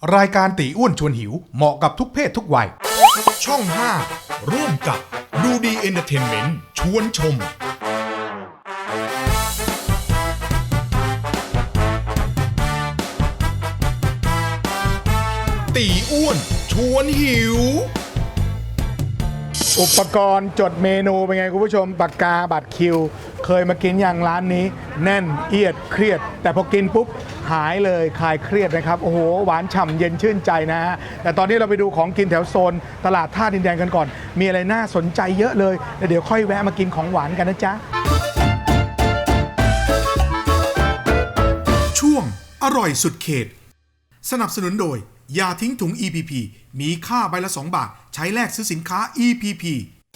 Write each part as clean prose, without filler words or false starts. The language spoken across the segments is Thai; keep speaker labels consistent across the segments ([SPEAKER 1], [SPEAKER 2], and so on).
[SPEAKER 1] รายการตีอ้วนชวนหิวเหมาะกับทุกเพศทุกวัย
[SPEAKER 2] ช่อง 5 ร่วมกับดูดีเอนเตอร์เทนเมนต์ชวนชม ตีอ้วนชวนหิว
[SPEAKER 3] อุปกรณ์จดเมนูเป็นไงคุณผู้ชมปากกาบัตรคิว เคยมากินอย่างร้านนี้ แน่นเอียดเครียด แต่พอกินปุ๊บหายเลยคลายเครียดนะครับโอ้โหหวานฉ่ำเย็นชื่นใจนะฮะแต่ตอนนี้เราไปดูของกินแถวโซนตลาดท่าดินแดงกันก่อน มีอะไรน่าสนใจเยอะเลยแล้วเดี๋ยวค่อยแวะมากินของหวานกันนะจ๊ะ
[SPEAKER 2] ช่วงอร่อยสุดเขต สนับสนุนโดยยาทิ้งถุง EPP มีค่าใบละ2 บาทใช้แลกซื้อสินค้า EPP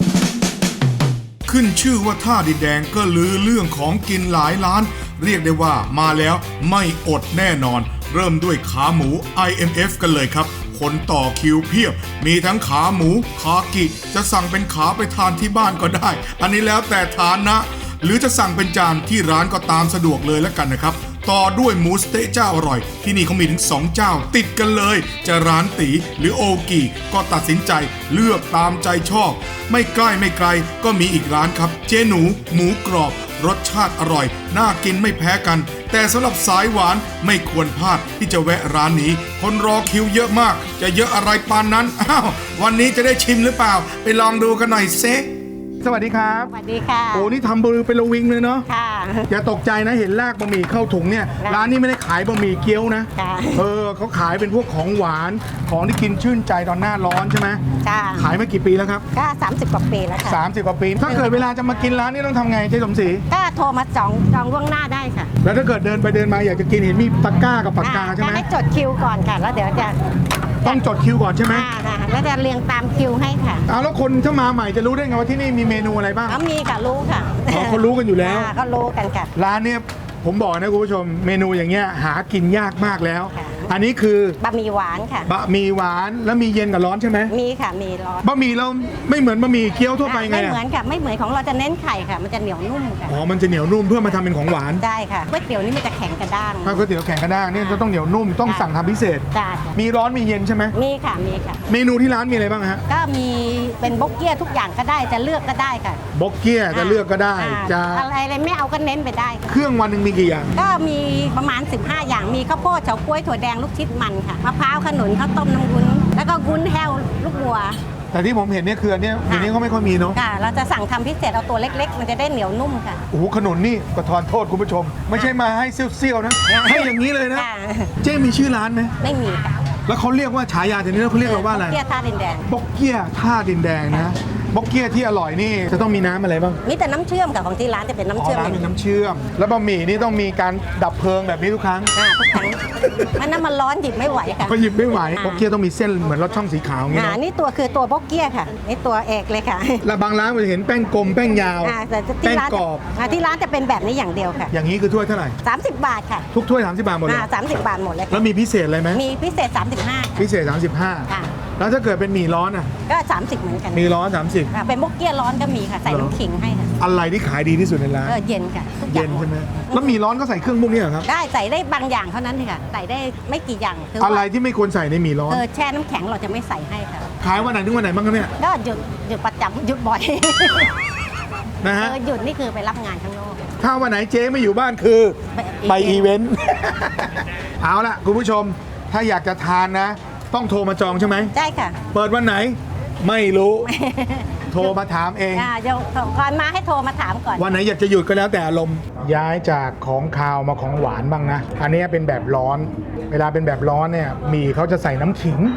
[SPEAKER 2] ขึ้นชื่อว่าท่าดินแดงก็ลือเรื่องของกินหลายร้าน เรียกได้ว่ามาแล้วไม่อดแน่นอน เริ่มด้วยขาหมู IMF กันเลยครับ คนต่อคิวเพียบ มีทั้งขาหมูคากิจะสั่งเป็นขาไปทานที่บ้านก็ได้ อันนี้แล้วแต่ฐานะ หรือจะสั่งเป็นจานที่ร้านก็ตามสะดวกเลยแล้วกันนะครับ ต่อด้วยหมูสเต๊ะเจ้าอร่อย ที่นี่เขามีถึง2เจ้าติดกันเลย จะร้านตีหรือโอกิก็ตัดสินใจเลือกตามใจชอบ ไม่ใกล้ไม่ไกลก็มีอีกร้านครับ เจหนูหมูกรอบ รสชาติอร่อย น่ากินไม่แพ้กัน แต่สำหรับสายหวานไม่ควรพลาดที่จะแวะร้านนี้ คนรอคิวเยอะมาก จะเยอะอะไรปานนั้นอ้าววันนี้จะได้ชิมหรือเปล่า ไปลองดูกันหน่อยเซ
[SPEAKER 3] สวัสดีครับ
[SPEAKER 4] สวัสดีค่ะ
[SPEAKER 3] โอ้นี่ทำมือเป็นระวิงเลยเนาะ
[SPEAKER 4] ค่ะ
[SPEAKER 3] อย่าตกใจนะเห็นลากบะหมี่เข้าถุงเนี่ย
[SPEAKER 4] ค่ะ
[SPEAKER 3] ร้านนี้ไม่ได้ขายบะหมี่เกี๊ยวนะ
[SPEAKER 4] ค่ะ
[SPEAKER 3] เขาขายเป็นพวกของหวานของที่กินชื่นใจตอนหน้าร้อนใช่ไหม
[SPEAKER 4] ค่ะ
[SPEAKER 3] ขายมากี่ปีแล้วครับ
[SPEAKER 4] ก็30 กว่าปีแล้วค่ะ
[SPEAKER 3] 30 กว่าปี ถ้าเกิดเวลาจะมากินร้านนี้ต้องทำไงเจ๊สมศรี
[SPEAKER 4] ก็โทรมาจองล่วงหน้าได้ค่ะ
[SPEAKER 3] แล้วถ้าเกิดเดินไปเดินมาอยากจะกินเห็นมีตะกร้ากับปากกาใช่ไหม
[SPEAKER 4] ให้จดคิวก่อนค่ะ แล้วเดี๋ยวจะ
[SPEAKER 3] ต้องจดคิวก่อนใช่ไหม
[SPEAKER 4] ค่ะแล้วจะเรียงตามคิวให้ค่ะ
[SPEAKER 3] เอาแล้วคนถ้ามาใหม่จะรู้ได้ไงว่าที่นี่มีเมนูอะไรบ้าง
[SPEAKER 4] เขามีค่ะรู้ค่ะ
[SPEAKER 3] อ๋อเขารู้กันอยู่แล้ว
[SPEAKER 4] เขารู้กันค่ะ
[SPEAKER 3] ร้านเนี่ยผมบอกนะคุณผู้ชมเมนูอย่างเงี้ยหากินยากมากแล้ว
[SPEAKER 4] ค่ะ
[SPEAKER 3] อันนี้คือบ
[SPEAKER 4] ะหมี่หวานค่ะ
[SPEAKER 3] บะหมี่หวานแล้วมีเย็นกับร้อนใช่ไหม
[SPEAKER 4] มีค่ะ มีร้อน
[SPEAKER 3] บะหมี่เราไม่เหมือนบะหมี่เกี๊ยวทั่วไปไง
[SPEAKER 4] ไม่
[SPEAKER 3] อะ
[SPEAKER 4] เหมือนค่ะ ไม่เหมือนของเราจะเน้นไข่ค่ะ มันจะเหนียวนุ่มค่ะ
[SPEAKER 3] อ๋อมันจะเหนียวนุ่มเพื่อมาทำเป็นของหวาน
[SPEAKER 4] ได้ค่ะก๋วยเตี๋ยวนี่มันจะแข็งกระด้าง
[SPEAKER 3] ถ้าก๋วยเตี๋ยวแข็งกระด้างเนี่ยจะต้องเหนียวนุ่มต้องสั่งทำพิเศษ
[SPEAKER 4] จ้าค่ะ
[SPEAKER 3] มีร้อนมีเย็นใช่ไหม
[SPEAKER 4] มีค่ะ มีค่ะ
[SPEAKER 3] เมนูที่ร้านมีอะไรบ้างฮะ
[SPEAKER 4] ก็มีเป็นบกเกี้ยทุกอย่างก็ได้ จะเลือกก็ได้ค่ะ
[SPEAKER 3] บกเกี้ยจะเลือกก็ได้ จะ
[SPEAKER 4] อะไรไม่เอาก็เน้นไปได้ค่ะ
[SPEAKER 3] เครื่องวันหนึ่งมีกี่อย่าง
[SPEAKER 4] ก็มีประมาณ 15 อย่าง มีข้าวโพดเฉาก๊วยถั่วแดงลูกชิดมันค่ะ มะพร้าวขนุนข้าวต้มน้ำวุ้น แล้วก็วุ้นแห้วลูกบัว
[SPEAKER 3] แต่ที่ผมเห็นเนี่ยคืออันเนี้ยเดี๋ยวนี้เขาไม่ค่อยมีเนาะ
[SPEAKER 4] ค่ะ เราจะสั่งทำพิเศษเอาตัวเล็กๆ มันจะได้เหนียวนุ่มค่ะ
[SPEAKER 3] โอ้โหขนุนนี่ก็ทอนโทษคุณผู้ชม ไม่ใช่มาให้เซี่ยวๆนะให้อย่างนี้เลยนะ
[SPEAKER 4] ค่ะ
[SPEAKER 3] เจ๊มีชื่อร้านไหม
[SPEAKER 4] ไม่มีค่ะ
[SPEAKER 3] แล้วเขาเรียกว่าฉายาทีนี้เขาเรียกเราว่าอะไร
[SPEAKER 4] เกี้ยท่าดินแดง
[SPEAKER 3] บกเกี้ยท่าดินแดงนะบกเกี้ยที่อร่อยนี่จะต้องมีน้ำอะไรบ้าง
[SPEAKER 4] มีแต่น้ำเชื่อมกับของที่ร้านจะเป็นน้ำเชื่อม
[SPEAKER 3] ร้านเป็นน้ำเชื่อม แล้วบะหมี่นี่ต้องมีการดับเพลิงแบบนี้ทุกครั้ง
[SPEAKER 4] ทุกครั้งมันน้ำมันร้อนหยิบไม่ไหวค่ะ
[SPEAKER 3] ก็หยิบไม่ไหวบกเกี้ยต้องมีเส้นเหมือนรถช่องสีขาวอย่างนี้นะ
[SPEAKER 4] นี่ตัวคือตัวบกเกี้ยค่ะ นี่ตัวเอกเลยค่ะ
[SPEAKER 3] แล้วบางร้านมันจะเห็นแป้งกลมแป้งยาว
[SPEAKER 4] แต่ที่
[SPEAKER 3] แป้ง
[SPEAKER 4] ร้าน
[SPEAKER 3] กรอบ
[SPEAKER 4] ที่ร้านจะเป็นแบบนี้อย่างเดียวค่ะ
[SPEAKER 3] อย่างนี้คือถ้วยเท่าไหร่
[SPEAKER 4] 30 บาทค่ะ
[SPEAKER 3] ทุกถ้วย30 บาทหมดเลย
[SPEAKER 4] 30 บาทหมดเลย
[SPEAKER 3] แล้
[SPEAKER 4] ค่ะ
[SPEAKER 3] วมีพิเศษอะไรไหม
[SPEAKER 4] มีพิเศษ 35
[SPEAKER 3] พิเศษ
[SPEAKER 4] ค่ะ
[SPEAKER 3] 35แล้วถ้าเกิดเป็นหมี่ร้อนอ่ะ
[SPEAKER 4] ก็ 30 เหมือนกัน
[SPEAKER 3] มีร้อน
[SPEAKER 4] ค่ะเป็นบกเกี้ยร้อนก็มีค่ะ ใส่น้ำขิงให้ค่ะ
[SPEAKER 3] 30อะไรที่ขายดีที่สุดในร้าน
[SPEAKER 4] เย็นค่ะทุกอ
[SPEAKER 3] เย็
[SPEAKER 4] ย่าน ง
[SPEAKER 3] ใช่ไหมแล้วหมี่ร้อนก็ใส่เครื่องพวกนี้เหรอครับ
[SPEAKER 4] ได้ใส่ได้บางอย่างเท่านั้นค่ะ ใส่ได้ไม่กี่อย่างคือ
[SPEAKER 3] อะไร
[SPEAKER 4] ว่า
[SPEAKER 3] ที่ไม่ควรใส่ในหมี่ร้อน
[SPEAKER 4] แช่น้ำแข็งเราจะไม่ใส่ให้ค่ะ
[SPEAKER 3] ขายวันไหนถึงวันไหนบ้างครับเนี่ย
[SPEAKER 4] ก็หยุดประจำหยุดบ่อย
[SPEAKER 3] นะฮะ
[SPEAKER 4] หยุดนี่คือไปรับงานข้างนอก
[SPEAKER 3] ถ้าวันไหนเจ๊ไม่อยู่บ้านคือไปอีเวนต์ เอาล่ะคุณผู้ชมถ้าอยากจะทานนะ ต้องโทรมาจองใช่ไหม
[SPEAKER 4] ใช่ค่ะ
[SPEAKER 3] เปิดวันไหนไม่รู้ โทรมาถามเอง
[SPEAKER 4] เดี๋ยวก่อนมาให้โทรมาถามก่อน
[SPEAKER 3] วันไหนอยากจะหยุดก็แล้วแต่อารมณ์ย้ายจากของคาวมาของหวานบ้างนะ อันนี้เป็นแบบร้อน เวลาเป็นแบบร้อนเนี่ยหมี่เขาจะใส่น้ำขิง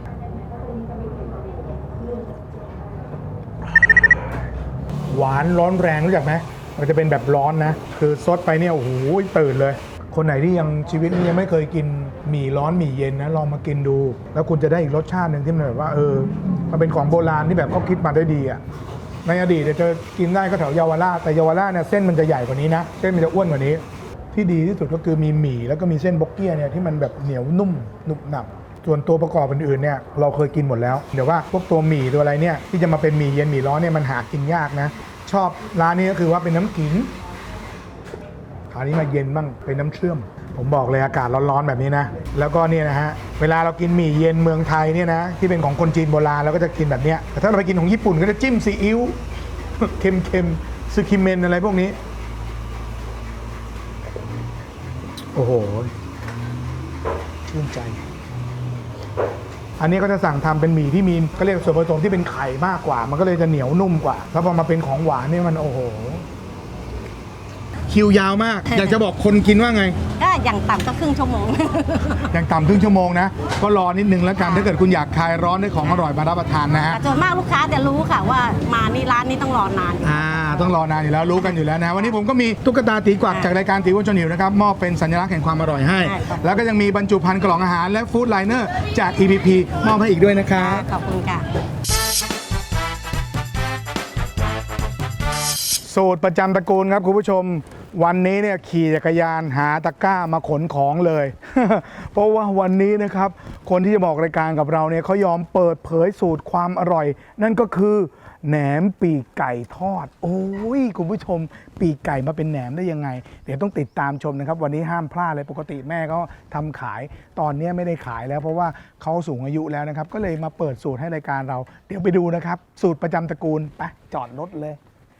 [SPEAKER 3] หวานร้อนแรงรู้จักไหมมันจะเป็นแบบร้อนนะ คือซดไปเนี่ยโอ้โหตื่นเลย คนไหนที่ยังชีวิตนี้ยังไม่เคยกินหมี่ร้อนหมี่เย็นนะลองมากินดู แล้วคุณจะได้อีกรสชาติหนึ่งที่มันแบบว่ามันเป็นของโบราณที่แบบเขาคิดมาได้ดีอ่ะในอดีตจะกินได้ก็แถวเยาวราชแต่เยาวราชเนี่ยเส้นมันจะใหญ่กว่านี้นะเส้นมันจะอ้วนกว่านี้ ที่ดีที่สุดก็คือมีหมี่แล้วก็มีเส้นบกเกี้ยเนี่ยที่มันแบบเหนียวนุ่มหนุบหนับส่วนตัวประกอบอื่นๆเนี่ยเราเคยกินหมดแล้วเดี๋ยวว่าพวกตัวหมี่ตัวอะไรเนี่ยที่จะมาเป็นหมี่เย็นหมี่ร้อนเนี่ยมันหากินยากนะชอบร้านนี้ก็คือว่าเป็นน้ำขิงคราวนี้มาเย็นบ้างเป็นน้ำเชื่อมผมบอกเลยอากาศร้อนๆแบบนี้นะ แล้วก็เนี่ยนะฮะเวลาเรากินหมี่เย็นเมืองไทยเนี่ยนะที่เป็นของคนจีนโบราณเราก็จะกินแบบเนี้ยแต่ถ้าเราไปกินของญี่ปุ่นก็จะจิ้มซีอิ๊ว เค็มๆซึคิเมนอะไรพวกนี้โอ้โหชื่นใจอันนี้ก็จะสั่งทำเป็นหมี่ที่มีก็เรียกส่วนผสมที่เป็นไข่มากกว่ามันก็เลยจะเหนียวนุ่มกว่าแล้วพอมาเป็นของหวานนี่มันโอ้โหคิวยาวมาก อยากจะบอกคนกินว่าไง
[SPEAKER 4] ก็อย่างต่ำก็ครึ่งชั่วโมง
[SPEAKER 3] อย่างต่ำครึ่งชั่วโมงนะก็รอนิดนึงแล้วกันถ้าเกิดคุณอยากคลายร้อนด้วยของอร่อยมารับประทานนะฮะ
[SPEAKER 4] แต่ส่วนมากลูกค้าจะรู้ค่ะว่ามานี่ร้านนี้ต้องรอนาน
[SPEAKER 3] ต้องรอนานอยู่แล้วรู้กันอยู่แล้วนะวันนี้ผมก็มีตุ๊กตาตีกวักจากรายการตีอ้วนจนหิวนะครับมอบเป็นสัญลักษณ์แห่งความอร่อยให้ แล้วก็ยังมีบรรจุภัณฑ์กล่องอาหารและฟู้ดไลเนอร์จาก EPP มอบให้อีกด้วยนะครับ
[SPEAKER 4] ขอบคุณค่ะ
[SPEAKER 3] สูตรประจำตระกูลครับคุณผู้ชมวันนี้เนี่ยขี่จักรยานหาตะกร้ามาขนของเลย เพราะว่าวันนี้นะครับคนที่จะบอกรายการกับเราเนี่ยเขายอมเปิดเผยสูตรความอร่อย นั่นก็คือแหนมปีกไก่ทอดโอ้ยคุณผู้ชมปีกไก่มาเป็นแหนมได้ยังไงเดี๋ยวต้องติดตามชมนะครับวันนี้ห้ามพลาดเลยปกติแม่ก็ทำขายตอนนี้ไม่ได้ขายแล้วเพราะว่าเขาสูงอายุแล้วนะครับก็เลยมาเปิดสูตรให้รายการเราเดี๋ยวไปดูนะครับสูตรประจำตระกูลไปจอดรถเลย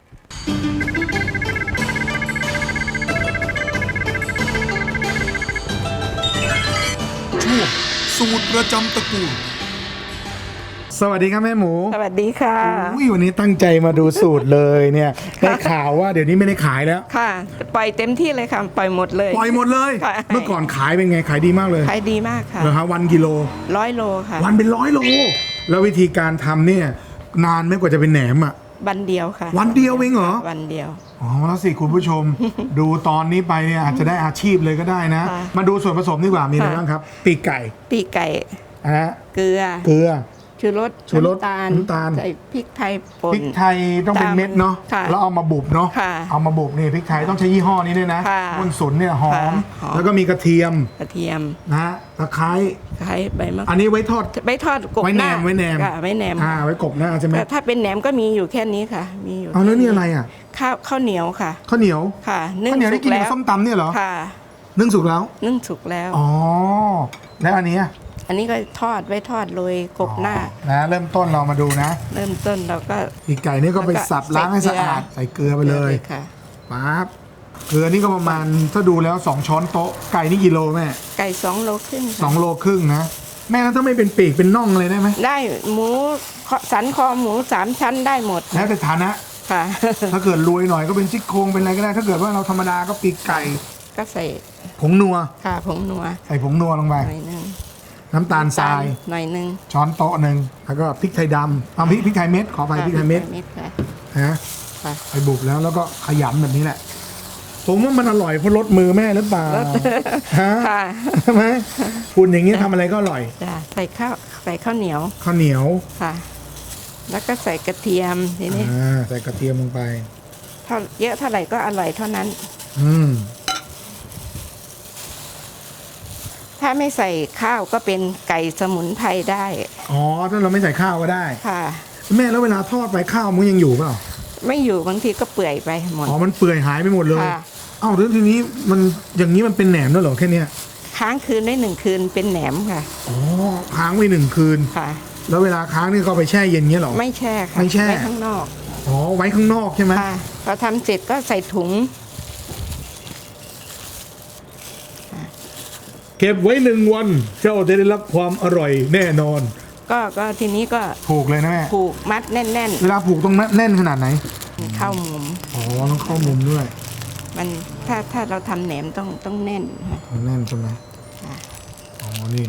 [SPEAKER 2] ช่วงสูตรประจำตระกูล
[SPEAKER 3] สวัสดีครับแม่หมู
[SPEAKER 5] สวัสดีค่ะ
[SPEAKER 3] อุ้ยวันนี้ตั้งใจมาดูสูตรเลยเนี่ยได้ข่าวว่าเดี๋ยวนี้ไม่ได้ขายแล้ว
[SPEAKER 5] ค่ะ ปล่อยเต็มที่เลยค่ะ ปล่อยหมดเลย
[SPEAKER 3] ปล่อยหมดเลย
[SPEAKER 5] ค่ะ
[SPEAKER 3] เมื่อก่อนขายเป็นไงขายดีมากเลย
[SPEAKER 5] ขายดีมากค่ะ
[SPEAKER 3] เหรอฮะวันกิโล
[SPEAKER 5] 100 โลค่ะ
[SPEAKER 3] วันเป็น100 โลแล้ววิธีการทำเนี่ยนานไม่กว่าจะเป็นแหนมอ่ะ
[SPEAKER 5] วันเดียวค่ะ
[SPEAKER 3] วันเดียวเองเหรอ
[SPEAKER 5] วันเดียว
[SPEAKER 3] อ๋อแล้วสิคุณผู้ชม ดูตอนนี้ไปเนี่ยอาจจะได้อาชีพเลยก็ได้นะ
[SPEAKER 5] ค่ะ
[SPEAKER 3] มาดูส่วนผสมดีกว่ามีอะไรบ้างครับปีกไก่
[SPEAKER 5] ปีกไก่
[SPEAKER 3] นะฮะ
[SPEAKER 5] เกลือ
[SPEAKER 3] เกลือ
[SPEAKER 5] ชูรส
[SPEAKER 3] ชูรส
[SPEAKER 5] น้ำตาล
[SPEAKER 3] น้ำตาล
[SPEAKER 5] ใส่พริกไทยป่
[SPEAKER 3] พริ
[SPEAKER 5] น
[SPEAKER 3] กไทยต้องเป็นเม็ดเนาะ
[SPEAKER 5] ค่ะ
[SPEAKER 3] แล้วเอามาบุบเนาะ
[SPEAKER 5] ค่ะ
[SPEAKER 3] เอามาบุบนี่พริกไทยต้องใช้ยี่ห้อนี้ด้วยนะ
[SPEAKER 5] ค่ะ
[SPEAKER 3] อ้วนสุนเนี่ยหอม
[SPEAKER 5] ค่ะหอม
[SPEAKER 3] แล้วก็มีกระเทียม
[SPEAKER 5] กระเทียม
[SPEAKER 3] นะฮะตะไคร้
[SPEAKER 5] ไข่ใบมะก
[SPEAKER 3] อั
[SPEAKER 5] รูด
[SPEAKER 3] นนี้ไว้ทอด
[SPEAKER 5] ไว้ทอดกบ
[SPEAKER 3] ไว้
[SPEAKER 5] ห
[SPEAKER 3] แหน
[SPEAKER 5] น้าม
[SPEAKER 3] ไว้แหนม
[SPEAKER 5] ค่ะไว้แหนม
[SPEAKER 3] ไว้กบหน้าใช่ไหม
[SPEAKER 5] แต่ถ้าเป็นแหนมก็มีอยู่แค่นี้ค่ะ มีอยู่
[SPEAKER 3] เอาแล้วนี่อะไรอ่ะ
[SPEAKER 5] ข้าวเหนียวค่ะ
[SPEAKER 3] ข้าวเหนียว
[SPEAKER 5] ค่ะนึ่ง
[SPEAKER 3] ข้าวเหนียว
[SPEAKER 5] สุ
[SPEAKER 3] ที่
[SPEAKER 5] ก
[SPEAKER 3] กิน
[SPEAKER 5] แล้
[SPEAKER 3] กับ
[SPEAKER 5] ว
[SPEAKER 3] ส้มตำเนี่ยเหรอ
[SPEAKER 5] ค่ะ
[SPEAKER 3] นึ่งสุกแล้ว
[SPEAKER 5] นึ่งสุกแล้ว
[SPEAKER 3] อ๋อแล้วอันนี้อะ
[SPEAKER 5] อันนี้ก็ทอดไว้ทอดโรยกบหน้า
[SPEAKER 3] นะเริ่มต้นเรามาดูนะ
[SPEAKER 5] เริ่มต้นเราก็
[SPEAKER 3] ปีกไก่นี่ก็ไปสับล้างให้สะอาดใส่เกลือไปเลย
[SPEAKER 5] ค่ะ
[SPEAKER 3] ปั๊บเกลือนี่ก็ประมาณถ้าดูแล้ว2 ช้อนโต๊ะไก่นี่กี่โลแม่
[SPEAKER 5] ไก่2 โลครึ่งค่ะ
[SPEAKER 3] 2 โลครึ่งนะแม่แล้วถ้าไม่เป็นปีกเป็นน่องเลยได้ไหม
[SPEAKER 5] ได้หมูสันคอหมู3 ชั้นได้หมด
[SPEAKER 3] แล้วแต่ฐานะ
[SPEAKER 5] ค่ะ
[SPEAKER 3] ถ้าเกิดรวยหน่อยก็เป็นซี่โครงเป็นอะไรก็ได้ ถ้าเกิดว่าเราธรรมดาก็ปีกไก่
[SPEAKER 5] ก็ใส่
[SPEAKER 3] ผงนัว
[SPEAKER 5] ค่ะผงนัว
[SPEAKER 3] ใส่ผงนัวลงไป
[SPEAKER 5] หน่อยหนึง
[SPEAKER 3] น้ำตาลทราย
[SPEAKER 5] หน่อยหนึง
[SPEAKER 3] ช้อนโต๊ะหนึ่งแล้วก็พริกไทยดำเอาพริกไทยเม็ดขอไปพริกไทยเม็ด
[SPEAKER 5] ค่ะ
[SPEAKER 3] นะ
[SPEAKER 5] ค่ะ
[SPEAKER 3] ไปบุบแล้วก็ขยำแบบนี้แหละ ผมว่ามันอร่อยเพราะรสมือแม่หรือเปล่าฮะ
[SPEAKER 5] ค่ะ
[SPEAKER 3] ใช่ไหมคุณอย่างนี้ทำอะไรก็อร่อย
[SPEAKER 5] จ้ะใส่ข้าวเหนียว
[SPEAKER 3] ข้าวเหนียว
[SPEAKER 5] ค่ะ แล้วก็ใส่กระเทียมทีนี้
[SPEAKER 3] ใส่กระเทียมลงไป
[SPEAKER 5] เท่าเยอะเท่าไหร่ก็อร่อยเท่านั้น
[SPEAKER 3] อืม
[SPEAKER 5] ถ้าไม่ใส่ข้าวก็เป็นไก่สมุนไพรได้
[SPEAKER 3] อ๋อถ้าเราไม่ใส่ข้าวก็ได้
[SPEAKER 5] ค่ะ
[SPEAKER 3] แม่แล้วเวลาทอดไปข้าวมันยังอยู่เปล่า
[SPEAKER 5] ไม่อยู่บางทีก็เปื่อยไปหมด
[SPEAKER 3] อ๋อมันเปื่อยหายไปหมดเลย
[SPEAKER 5] ค่ะ
[SPEAKER 3] เอ้าแล้วทีนี้มันอย่างนี้มันเป็นแหนมด้วยเหรอแค่เนี้ย
[SPEAKER 5] ค้างคืนได้1 คืนเป็นแหนมค่ะ
[SPEAKER 3] อ๋อค้างไว้1 คืน
[SPEAKER 5] ค่ะ
[SPEAKER 3] แล้วเวลาค้างนี่ก็เอาไปแช่เย็นเงี้ยเหรอ
[SPEAKER 5] ไม่แช่ค่ะ
[SPEAKER 3] ไม่แช่
[SPEAKER 5] ไว้ข้างนอก
[SPEAKER 3] อ๋อไว้ข้างนอกใช่ไหม
[SPEAKER 5] ค่ะพอทำเสร็จก็ใส่ถุง
[SPEAKER 3] เก็บไว้1 วันเจ้าจะได้รับความอร่อยแน่นอน
[SPEAKER 5] ก็ทีนี้ก็
[SPEAKER 3] ผูกเลยนะแม่
[SPEAKER 5] ผูกมัดแน่น
[SPEAKER 3] เวลาผูกต้องแน่นขนาดไหน
[SPEAKER 5] ๆเข้ามุม
[SPEAKER 3] อ๋อต้องเข้ามุมด้วย
[SPEAKER 5] มันถ้าเราทำแหนมต้องแน่นค่ะ
[SPEAKER 3] มันแน่นใช่ไหม
[SPEAKER 5] ค่ะ
[SPEAKER 3] อ๋อนี่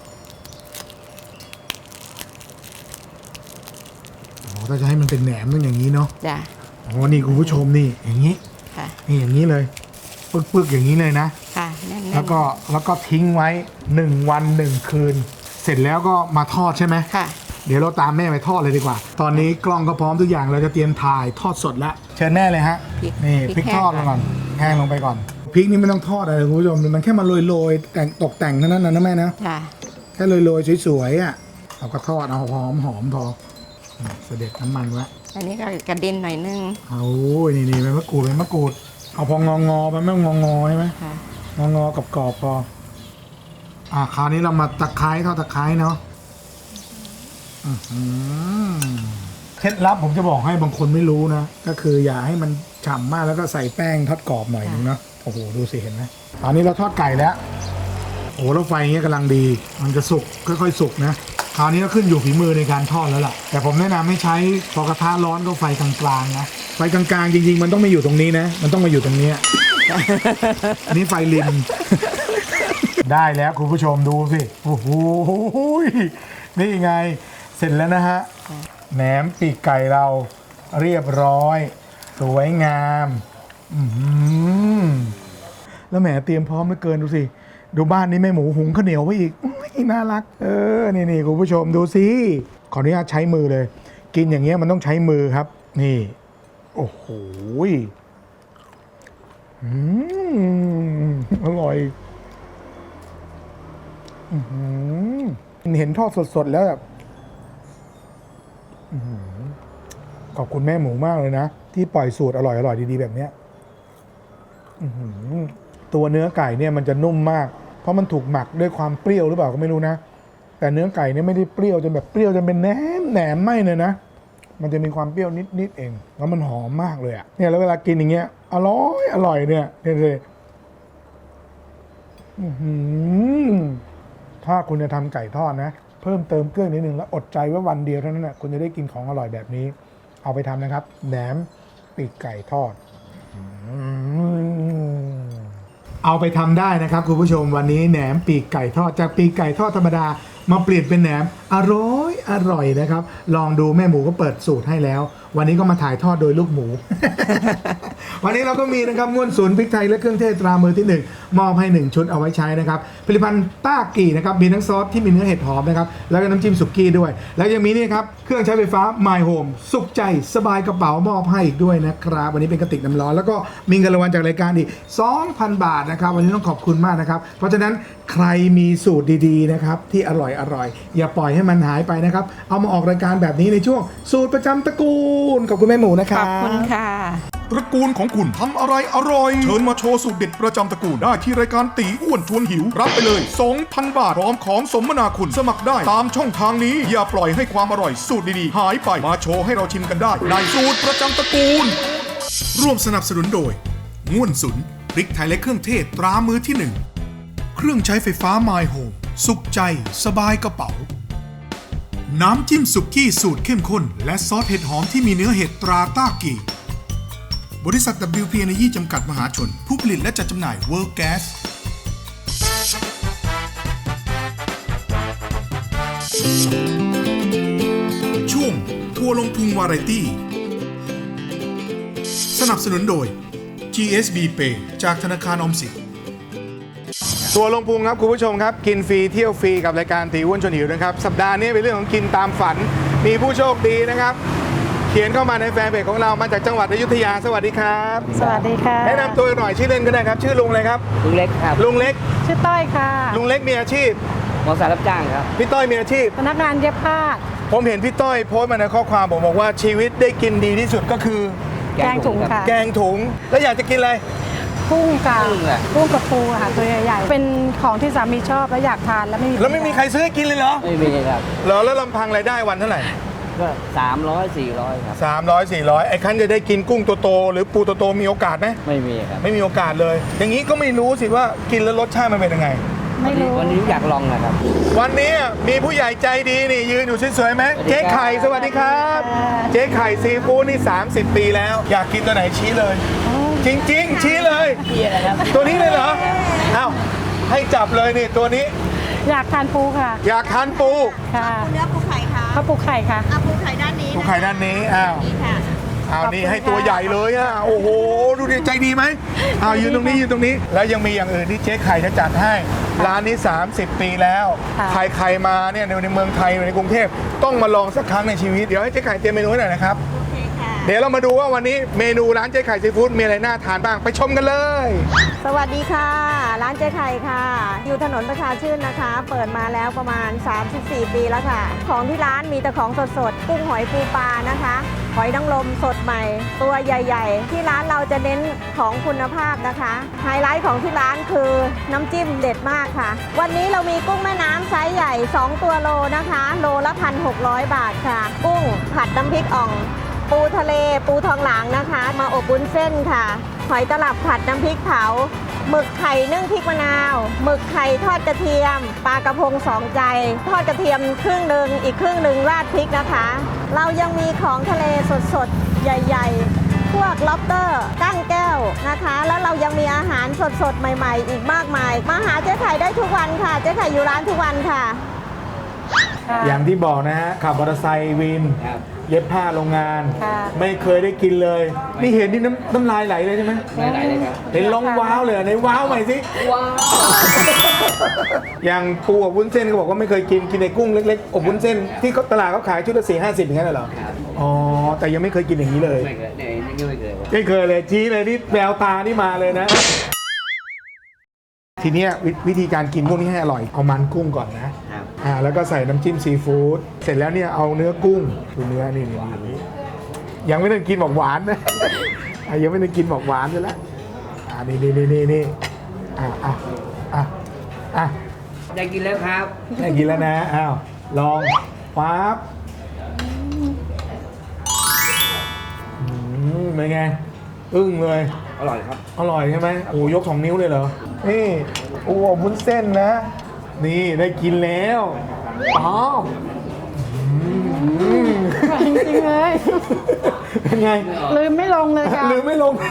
[SPEAKER 3] อ๋อถ้าจะให้มันเป็นแหนมต้องอย่างนี้เนาะ
[SPEAKER 5] จ้ะ
[SPEAKER 3] อ๋อนี่คุณผู้ชมนี่อย่างนี้
[SPEAKER 5] ค่ะ
[SPEAKER 3] นี่อย่างนี้เลยปึกๆอย่างนี้เลยนะ
[SPEAKER 5] ค่ะแน่นๆ
[SPEAKER 3] แล้วก็ทิ้งไว้1 วัน 1 คืน เสร็จแล้วก็มาทอดใช่ไหม
[SPEAKER 5] ค่ะ
[SPEAKER 3] เดี๋ยวเราตามแม่ไปทอดเลยดีกว่า ตอนนี้กล้องก็พร้อมทุกอย่างเราจะเตรียมถ่ายทอดสดแล้วเชิญแม่เลยฮะ
[SPEAKER 5] พริก
[SPEAKER 3] นี่พ
[SPEAKER 5] พริ
[SPEAKER 3] ริก
[SPEAKER 5] ก
[SPEAKER 3] ทอดลงก่อนแห้งลงไปก่อนพริกนี่ไม่ต้องทอดอะไรคุณผู้ชมมันแค่มาโรยๆแต่งตกแต่งเท่านั้นนะแม่นะ
[SPEAKER 5] จ้ะ
[SPEAKER 3] แค่โรยๆสวยๆอ่ะเราก็ทอดเอาหอมพอเสด็จน้ำมันไว้
[SPEAKER 5] อันนี้ก็กระเด็นหน่อยนึง
[SPEAKER 3] เอานี่ใบมะกรูดเอาพองอๆไปไม่งอใช่ไหม
[SPEAKER 5] ค่ะ
[SPEAKER 3] งอๆกับกรอบพอคราวนี้เรามาตะไคร้ทอดตะไคร้เนาะเคล็ดลับผมจะบอกให้บางคนไม่รู้นะก็คืออย่าให้มันฉ่ำมากแล้วก็ใส่แป้งทอดกรอบหน่อยนึงเนาะโอ้โหดูสิเห็นไหมตอนนี้เราทอดไก่แล้วโอ้แล้วไฟเงี้ยกำลังดีมันจะสุกค่อยๆสุกนะคราวนี้ก็ขึ้นอยู่ฝีมือในการทอดแล้วล่ะแต่ผมแนะนำให้ใช้พอกระทะร้อนก็ไฟกลางๆนะไฟกลางๆจริงๆมันต้องไม่อยู่ตรงนี้นะมันต้องมาอยู่ตรงนี้ อันนี้ไฟริม ได้แล้วคุณผู้ชมดูสิโอ้โหนี่ไงเสร็จแล้วนะฮะแหนมปีกไก่เราเรียบร้อยสวยงามแล้วแหมเตรียมพร้อมเหลือเกินดูสิดูบ้านนี้แม่หมูหุงข้าวเหนียวไว้อีกน่ารักนี่คุณผู้ชมดูสิขออนุญาตใช้มือเลยกินอย่างเงี้ยมันต้องใช้มือครับนี่โอ้โหอร่อยเห็นทอดสดๆแล้วแบบขอบคุณแม่หมูมากเลยนะที่ปล่อยสูตรอร่อยๆดีๆแบบเนี้ยตัวเนื้อไก่เนี่ยมันจะนุ่มมากเพราะมันถูกหมักด้วยความเปรี้ยวหรือเปล่าก็ไม่รู้นะแต่เนื้อไก่เนี่ยไม่ได้เปรี้ยวจนแบบเปรี้ยวจนเป็นแหนมไม่เลยนะมันจะมีความเปรี้ยวนิดเองแล้วมันหอมมากเลยอ่ะเนี่ยแล้วเวลากินอย่างเงี้ยอร่อยเนี่ยเลยถ้าคุณจะทำไก่ทอดนะเพิ่มเติมเครื่องนิดนึงแล้วอดใจไว้วันเดียวเท่านั้นนะคุณจะได้กินของอร่อยแบบนี้เอาไปทำนะครับแหนมปีกไก่ทอดเอาไปทำได้นะครับคุณผู้ชมวันนี้แหนมปีกไก่ทอดจากปีกไก่ทอดธรรมดามาเปลี่ยนเป็นแหนมอร่อยนะครับลองดูแม่หมูก็เปิดสูตรให้แล้ววันนี้ก็มาถ่ายทอดโดยลูกหมู วันนี้เราก็มีนะครับง่วนศูนย์พริกไทยและเครื่องเทศตรามือที่1มอบให้1ชุดเอาไว้ใช้นะครับผลิตภัณฑ์ต้ากี่นะครับมีทั้งซอสที่มีเนื้อเห็ดหอมนะครับแล้วก็น้ำจิ้มสุกี้ด้วยแล้วยังมีนี่ครับเครื่องใช้ไฟฟ้า My Home สุขใจสบายกระเป๋ามอบให้อีกด้วยนะครับวันนี้เป็นกระติกน้ำร้อนแล้วก็มีเงินรางวัลจากรายการอีก 2,000 บาทนะครับวันนี้ต้องขอบคุณมากนะครับเพราะฉะนั้นใครมีสูตรดีๆนะครับที่อร่อยอย่าปล่อยให้มันหายไปนะครับเอามาออกรายการแบบนี้ในช่วงสูตรประจำตระกูลขอบคุณแม่หมูนะค
[SPEAKER 5] ข
[SPEAKER 3] รั
[SPEAKER 5] อ
[SPEAKER 3] บบ
[SPEAKER 5] คุณค่ะ
[SPEAKER 2] ตระกูลของคุณทำอะไรอร่อยเชิญมาโชว์สูตรเด็ดประจำตระกูลได้ที่รายการตีอ้วนชวนหิวรับไปเลย 2,000 บาทพร้อมของสมนาคุณสมัครได้ตามช่องทางนี้อย่าปล่อยให้ความอร่อยสูตรดีๆหายไปมาโชว์ให้เราชิมกันได้ในสูตรประจำตระกูลร่วมสนับสนุนโดยง่วนสุนพริกไทยและเครื่องเทศตรามือที่1เครื่องใช้ไฟฟ้า My Home สุขใจสบายกระเป๋าน้ำจิ้มสุกี้สูตรเข้มข้นและซอสเห็ดหอมที่มีเนื้อเห็ดตราต้ากีบริษัท WP Energy จำกัดมหาชนผู้ผลิตและจัดจำหน่าย World Gas ช่วงทัวร์ลงพุงวาไรตี้สนับสนุนโดย GSB Pay จากธนาคารออมสิน
[SPEAKER 3] ตัวลงพุงครับคุณผู้ชมครับกินฟรีเที่ยวฟรีกับรายการตีอ้วนชวนหิวนะครับสัปดาห์นี้เป็นเรื่องของกินตามฝันมีผู้โชคดีนะครับเขียนเข้ามาในแฟนเพจของเรามาจากจังหวัดอยุธยาสวัสดีครับ
[SPEAKER 6] สวัสดีค่ะ
[SPEAKER 3] แนะนำตัวหน่อยชื่อเล่นก็ได้ครับชื่อลุงอะไรครับ
[SPEAKER 7] ลุงเล็กครับ
[SPEAKER 3] ลุงเล็ก
[SPEAKER 6] ชื่อต้อยค่ะ
[SPEAKER 3] ลุงเล็กมีอาชีพ
[SPEAKER 7] มอเตอร์ไซค์รับจ้างครับ
[SPEAKER 3] พี่ต้อยมีอาชีพ
[SPEAKER 6] พนักงานเย็บผ้า
[SPEAKER 3] ผมเห็นพี่ต้อยโพสต์มาในข้อความบอกว่าชีวิตได้กินดีที่สุดก็คือ
[SPEAKER 6] แกงถุงค่ะ
[SPEAKER 3] แกงถุงแล้วอยากจะกินอะไร
[SPEAKER 6] กุ้งกับ
[SPEAKER 7] กุ้งอะ
[SPEAKER 6] กุ้งกับปูค่ะตัวใหญ่ๆ เป็นของที่สามีชอบแล้วอยากทานแล้วไม่มี
[SPEAKER 3] ใครซื้อให้กินเลยเหรอ
[SPEAKER 7] ไม่มีครับ
[SPEAKER 3] เหรอแล้วลำพังรายได้วันเท่าไหร่
[SPEAKER 7] ก็300-400 ครับ
[SPEAKER 3] 300-400ไอ้คันจะได้กินกุ้งโตๆหรือปูโตๆมีโอกาสไหม
[SPEAKER 7] ไม่มีครับ
[SPEAKER 3] ไม่มีโอกาสเลย อย่างนี้ก็ไม่รู้สิว่ากินแล้วรสชาติมันเป็นยังไง
[SPEAKER 6] ไม่รู้
[SPEAKER 7] วันนี้อยากลองนะครับ
[SPEAKER 3] วันนี้มีผู้ใหญ่ใจดีนี่ยืนอยู่สวยๆไหม
[SPEAKER 7] สวัสดี
[SPEAKER 3] เจ๊
[SPEAKER 7] ครับ
[SPEAKER 3] ไข่สวัสดีครับ เจ๊ไข่ซีฟู้ดนี่30 ปีแล้ว อยากกินตัวไหนชี้เลย จริงๆ ชี้เลย ตัวนี้เลยเหรออ้าวให้จับเลยนี่ตัวนี้
[SPEAKER 6] อยากทานปูค่ะ
[SPEAKER 3] อยากทานปู
[SPEAKER 6] ค่ะ
[SPEAKER 4] เนื้อปูไข่ค่ะ
[SPEAKER 6] ข้าวปูไข่ค่ะ
[SPEAKER 4] เอาปูไข่ด้านนี้
[SPEAKER 3] ปูไข่ด้านนี้อ้าว
[SPEAKER 4] นี่ค่ะ
[SPEAKER 3] อ้าว
[SPEAKER 6] ขอบคุณ
[SPEAKER 3] นี่ให้ตัวใหญ่เลยอ่ะโอ้โหดูดิใจดีไหมอ้าวยืนตรงนี้ยืนตรงนี้ แล้วยังมีอย่างอื่นที่เจ๊ไข่จะจัดให้ร้านนี้30 ปีแล้ว
[SPEAKER 6] ค่ะ
[SPEAKER 3] ใครๆมาเนี่ยในเมืองไทยในกรุงเทพต้องมาลองสักครั้งในชีวิตเดี๋ยวให้เจ๊ไข่เตรียมเมนูให้หน่อยนะครับ
[SPEAKER 4] โอเคค่ะ
[SPEAKER 3] เดี๋ยวเรามาดูว่าวันนี้เมนูร้านเจ๊ไข่ซีฟู้ดมีอะไรน่าทานบ้างไปชมกันเลย
[SPEAKER 8] สวัสดีค่ะ ร้านเจ๊ไข่ค่ะ อยู่ถนนประชาชื่นนะคะ เปิดมาแล้วประมาณ 34 ปีแล้วค่ะ ของที่ร้านมีแต่ของสดๆกุ้งหอยปูปลานะคะหอยนางรมสดใหม่ ตัวใหญ่ๆ ที่ร้านเราจะเน้นของคุณภาพนะคะไฮไลท์ของที่ร้านคือน้ำจิ้มเด็ดมากค่ะ วันนี้เรามีกุ้งแม่น้ำไซส์ใหญ่ 2 ตัวโลนะคะ โลละ 1,600 บาทค่ะ กุ้งผัดน้ำพริกอ่อง ปูทะเลปูทองหลางนะคะ มาอบวุ้นเส้นค่ะหอยตลับผัดน้ำพริกเผาหมึกไข่นึ่งพริกมะนาวหมึกไข่ทอดกระเทียมปลากระพงสองใจทอดกระเทียมครึ่งหนึ่งอีกครึ่งหนึ่งราดพริกนะคะ เรายังมีของทะเลสดๆใหญ่ๆพวกล็อบสเตอร์กั้งแก้วนะคะ แล้วเรายังมีอาหารสดๆใหม่ๆอีกมากมายมาหาเจ๊ไข่ได้ทุกวันค่ะเจ๊ไข่อยู่ร้านทุกวันค่ะ
[SPEAKER 3] อย่างที่บอกนะฮะขับมอเตอร์ไซค์วิน
[SPEAKER 7] ครับ
[SPEAKER 3] เย็บผ้าโรงงาน
[SPEAKER 6] ค่ะ
[SPEAKER 3] ไม่เคยได้กินเลย นี่เห็นนี่น้ำลายไหลเลยใช่ไหม
[SPEAKER 7] ไม่ไหนเลยครับ
[SPEAKER 3] เห็นร้องว้าวเลยในว้าวใหม่สิ
[SPEAKER 7] ว้าว
[SPEAKER 3] อย่างปูอบวุ้นเส้นก็บอกว่าไม่เคยกินในกุ้งเล็กๆอบวุ้นเส้นที่ตลาดเขาขายชุดละ4-50อย่างนั้นเหรอ
[SPEAKER 7] ครับ
[SPEAKER 3] อ๋อแต่ยังไม่เคยกินอย่างนี้เลย
[SPEAKER 7] ไม่เคยนี่ไม่เคย
[SPEAKER 3] ไม่เคยเลยชี้เลยนี่แววตานี่มาเลยนะ ทีเนี้ยวิธีการกินพวกนี้ให้อร่อยเอามันกุ้งก่อนนะ
[SPEAKER 7] ครับ
[SPEAKER 3] แล้วก็ใส่น้ำจิ้มซีฟู้ดเสร็จแล้วเนี่ยเอาเนื้อกุ้งดูเนื้อนี่ยังไม่ได้กินบอกหวานนะ ยังไม่ได้กินบอกหวานเลยละนี่
[SPEAKER 7] อยากกินแล้วครับ
[SPEAKER 3] ได้กินแล้วนะอ้าวลองปั๊บเป็นไงอึ้งเลย
[SPEAKER 7] อร่อยครับ
[SPEAKER 3] อร่อยใช่ไหมโอ้ยก2 นิ้วเลยเหรอนี่โอ้วุ้นเส้นนะ นี่ได้กินแล้วป๊อบ
[SPEAKER 6] จริงๆเลย
[SPEAKER 3] เป็นไง
[SPEAKER 6] ลืมไม่ลงเลยค่ะ
[SPEAKER 3] ลืมไม่ลง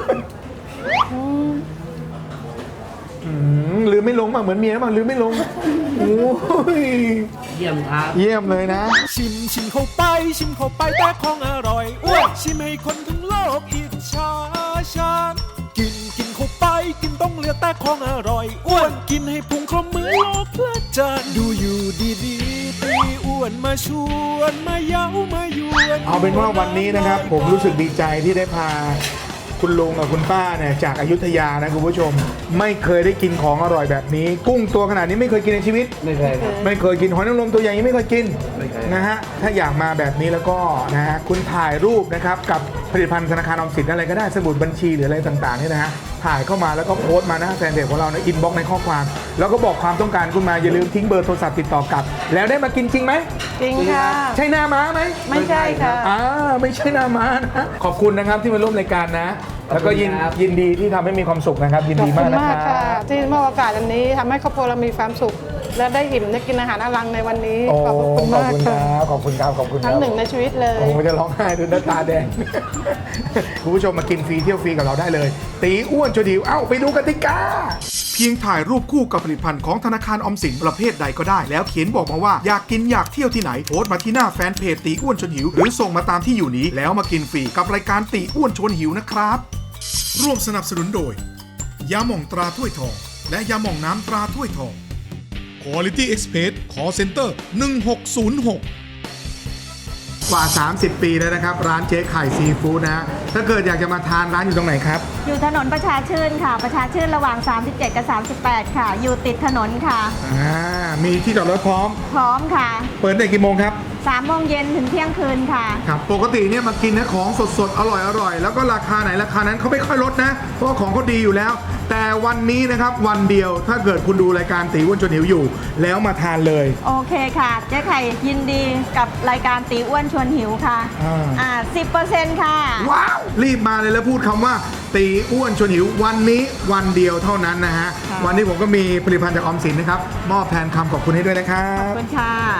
[SPEAKER 3] ลืมไม่ลงบ้างเหมือนเมียบ้างลืมไม่ลงโอ้ย
[SPEAKER 7] เยี่ยมครับ
[SPEAKER 3] เยี่ยมเลยนะ
[SPEAKER 9] ชิมเข้าไปแต่ของอร่อยอ้วนชิมให้คนทั้งโลกอิจฉาฉันกินเข้าไปกินต้องเหลือแต่ของอร่อยอ้วนกินให้พุงครบมือโลกเพลิดเพลินดูอยู่ดีๆตีอ้วนมาชวนมาเย้ามายวน
[SPEAKER 3] เอาเป็นว่าวันนี้นะครับผมรู้สึกดีใจที่ได้พาคุณลุงกับคุณป้าเนี่ยจากอยุธยานะคุณผู้ชมไม่เคยได้กินของอร่อยแบบนี้ กุ้งตัวขนาดนี้ไม่เคยกินในชีวิต
[SPEAKER 7] ไม่เคยครับ
[SPEAKER 3] ไม่เคยกินหอยนางรมตัวใหญ่ยังไม่เคยกิน
[SPEAKER 7] ไม่เคย
[SPEAKER 3] นะฮะถ้าอยากมาแบบนี้แล้วก็นะฮะคุณถ่ายรูปนะครับกับผลิตภัณฑ์ธนาคารออมสินอะไรก็ได้สมุดบัญชีหรืออะไรต่างๆเนี่ยนะฮะถ่ายเข้ามาแล้วก็โพสต์มาหน้าแฟนเพจของเราในอินบ็อกซ์ในข้อความ แล้วก็บอกความต้องการคุณมาอย่าลืมทิ้งเบอร์โทรศัพท์ติดต่อกลับ แล้วได้มากินจริงไหม
[SPEAKER 6] จริงค่ะ
[SPEAKER 3] ใช่หน้าม้าไหม
[SPEAKER 6] ไม่ใช่ค่ะ
[SPEAKER 3] ไม่ใช่หน้าม้านะขอบคุณนะครับที่มาร่วมรายการนะ แล้วก็ยินดีที่ทำให้มีความสุขนะครับ ยิน
[SPEAKER 6] ขอบ
[SPEAKER 3] ดี
[SPEAKER 6] คุ
[SPEAKER 3] มาก
[SPEAKER 6] ณ
[SPEAKER 3] นะ
[SPEAKER 6] มาก
[SPEAKER 3] ค
[SPEAKER 6] ค่ะ
[SPEAKER 3] รับ
[SPEAKER 6] ที่มอบโอกาสอันนี้ทำให้ครอบครัวเรามีความสุข และได้อิ่มได้กินอาหารอลังในวันนี้
[SPEAKER 3] โอ้
[SPEAKER 6] ขอบคุณ
[SPEAKER 3] ขอบ
[SPEAKER 6] มาก
[SPEAKER 3] คุณค
[SPEAKER 6] ค่ะ
[SPEAKER 3] รับขอบคุณครับขอบคุณค
[SPEAKER 6] ทั้
[SPEAKER 3] รั
[SPEAKER 6] ง
[SPEAKER 3] บ
[SPEAKER 6] หนึ่งในชีวิตเลย
[SPEAKER 3] ผมจะร้องไห้ดูหน้าตาแดง คุณผู้ชมมากินฟรีเที่ยวฟรีกับเราได้เลย ตีอ้วนจนหิวเอ้าไปดูกติกา
[SPEAKER 2] เพียงถ่ายรูปคู่กับผลิตภัณฑ์ของธนาคารออมสินประเภทใดก็ได้ แล้วเขียนบอกมาว่าอยากกินอยากเที่ยวที่ไหนโพสต์มาที่หน้าแฟนเพจตีอ้วนชวนหิวหรือส่งมาตามที่อยู่นี้แล้วมากินฟรีกับรายการตีอ้วนชวนหิวนะครับร่วมสนับสนุนโดยยาหม่องตราถ้วยทองและยาหม่องน้ำตราถ้วยทอง Quality Express Call Center 1606
[SPEAKER 3] กว่า 30 ปีแล้วนะครับ ร้านเจ๊ไข่ซีฟู้ดนะฮะถ้าเกิดอยากจะมาทานร้านอยู่ตรงไหนครับ
[SPEAKER 8] อยู่ถนนประชาชื่นค่ะ ประชาชื่นระหว่าง 37 กับ 38 ค่ะ อยู่ติดถนนค่ะ
[SPEAKER 3] มีที่จอดรถพร้อม
[SPEAKER 8] พร้อมค่ะ
[SPEAKER 3] เปิดได้กี่โมงครับ
[SPEAKER 8] 3 โมงเย็นถึงเที่ยงคืนค่ะ
[SPEAKER 3] ครับปกติเนี่ยมากินนะของสดๆ อร่อยๆ แล้วก็ราคาไหนราคานั้นเขาไม่ค่อยลดนะ เพราะว่าของเขาดีอยู่แล้ว แต่วันนี้นะครับวันเดียวถ้าเกิดคุณดูรายการตีอ้วนชวนหิวอยู่ แล้วมาทานเลย
[SPEAKER 8] โอเคค่ะเจ๊ไข่ยินดีกับรายการตีอ้วนชวนหิวค่ะ 10% ค่ะ
[SPEAKER 3] ว้าว รีบมาเลยแล้วพูดคำว่า ตีอ้วนชวนหิววันนี้วันเดียวเท่านั้นนะฮะ
[SPEAKER 8] ค่ะ
[SPEAKER 3] วันนี้ผมก็มีผลิตภัณฑ์จากออมสินนะครับมอบแทนคำขอบคุณให้ด้วยนะครั
[SPEAKER 8] ขอบบ คุณค่ะ